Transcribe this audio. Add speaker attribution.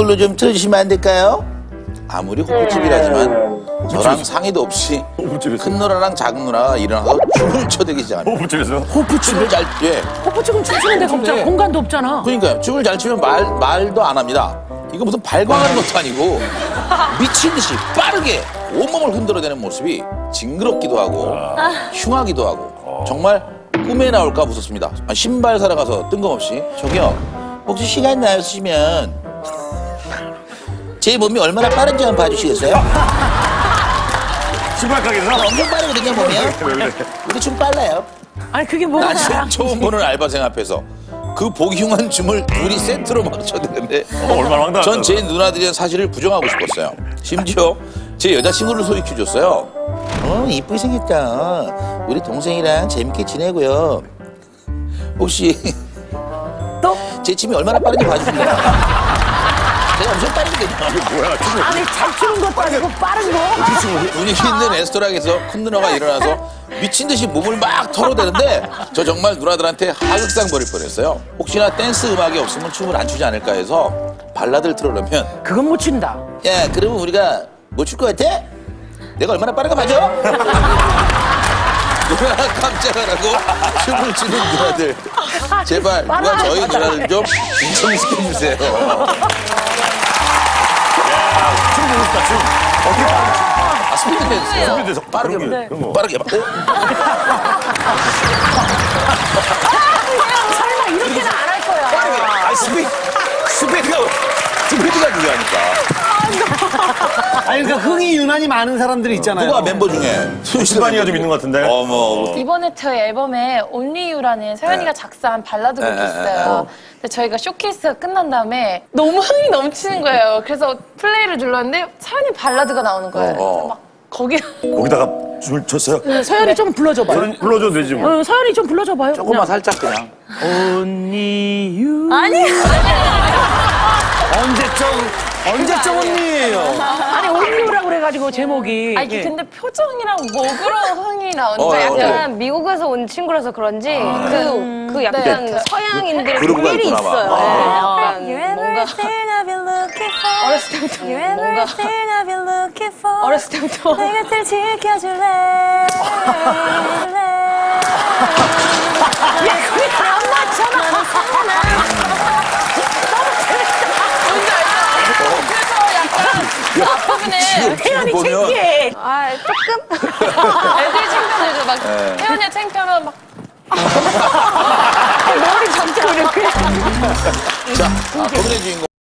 Speaker 1: 걸로 좀 틀어주시면 안 될까요? 아무리 호프집이라지만 저랑 상의도 없이 큰 누나랑 작은 누나가 일어나서 춤을 춰대기 시작합니다.
Speaker 2: 호프집에서?
Speaker 1: 호프춤을 잘, 예.
Speaker 3: 호프집은 춤추는 데가 없잖아. 공간도 없잖아.
Speaker 1: 그러니까요. 춤을 잘 추면 말도 안 합니다. 이거 무슨 발광하는 것도 아니고 미친 듯이 빠르게 온몸을 흔들어대는 모습이 징그럽기도 하고 흉하기도 하고 정말 꿈에 나올까 무섭습니다. 신발 사러 가서 뜬금없이 저기요 혹시 시간 나시면 제 몸이 얼마나 빠른지 한번 봐주시겠어요?
Speaker 2: 신발 가게에서?
Speaker 1: 엄청 빠르거든요 보면. 우리 춤 빨라요.
Speaker 3: 아니 그게 뭐가
Speaker 1: 난 처음 보는 알바생 앞에서 그 보기 흉한 춤을 둘이 세트로 막 춰대는데
Speaker 2: 얼마나 황당하다.
Speaker 1: 전 제 누나들의 사실을 부정하고 싶었어요. 심지어 제 여자친구를 소개해줬어요. 이쁘게 생겼다. 우리 동생이랑 재밌게 지내고요. 혹시
Speaker 3: 또?
Speaker 1: 제 춤이 얼마나 빠른지 봐주실래요? 제가 엄청 빠르거든요.
Speaker 2: 뭐야, 춤을.
Speaker 3: 아니 잘 추는 것도 아니고 빠른 거?
Speaker 1: 분위기 있는 레스토랑에서 큰 누나가 일어나서 미친 듯이 몸을 막 털어대는데 저 정말 누나들한테 하극상 벌일 뻔했어요. 혹시나 댄스 음악이 없으면 춤을 안 추지 않을까 해서 발라드를 틀어놓으면
Speaker 3: 그건 못 춘다.
Speaker 1: 야 그러면 우리가 뭐 출 것 같아? 내가 얼마나 빠른가 봐줘? 누나 깜짝 안 하고 춤을 추는 누나들 제발 누가 저희 누나들 좀 인정시켜주세요.
Speaker 2: 춤 보고 싶다, 춤. 어떻게 빠르게
Speaker 1: 스피드 댄스요.
Speaker 2: 스피드 댄스.
Speaker 1: 빠르게
Speaker 2: 그런 거.
Speaker 1: 빠르게 막.
Speaker 3: 설마 이렇게는 안 할 거야.
Speaker 1: 빠르게. 아 스피드가 중요하니까.
Speaker 4: 아니 그러니까 흥이 유난히 많은 사람들이 있잖아요.
Speaker 1: 누가 멤버 중에
Speaker 2: 수반이가 좀 있는 것 같은데.
Speaker 1: 어머.
Speaker 5: 이번에 저희 앨범에 Only You라는 서연이가 작사한 발라드 곡이 있어요. 근데 저희가 쇼케이스가 끝난 다음에 너무 흥이 넘치는 거예요. 그래서 플레이를 눌렀는데 서연이 발라드가 나오는 거예요. 그래서 막
Speaker 2: 거기다가 춤을 췄어요?
Speaker 3: 서연이 좀 불러줘봐요.
Speaker 2: 불러줘도 되지 뭐.
Speaker 3: 서연이 좀 불러줘봐요.
Speaker 1: 조금만 살짝 그냥.
Speaker 4: 언니 유.
Speaker 5: 아니
Speaker 4: 언제적 언니예요.
Speaker 3: 아니 온유라고 그래가지고 제목이.
Speaker 5: 아니 근데 표정이랑 목으로 흥이 나오는 거예요.
Speaker 1: 어,
Speaker 5: 약간 미국에서 온 친구라서 그런지 그 약간 서양인들의
Speaker 1: 그루브가
Speaker 5: 삘이
Speaker 1: 있구나 봐.
Speaker 5: 있어요.
Speaker 1: 아.
Speaker 5: 네, 약간 뭔가 어렸을 때부터 뭔가 어렸을 때부터 내 곁을 지켜줄래.
Speaker 3: 야 그게 다 안 맞잖아.
Speaker 5: 그래서 약간 앞부분에
Speaker 3: 태연이
Speaker 1: 보면-
Speaker 3: 창피해.
Speaker 5: 아 조금 애들이 창피하죠. 막 태연이가 창피하면 막
Speaker 3: 머리 잠자고 이렇게.
Speaker 1: 자, 고민의 주인공.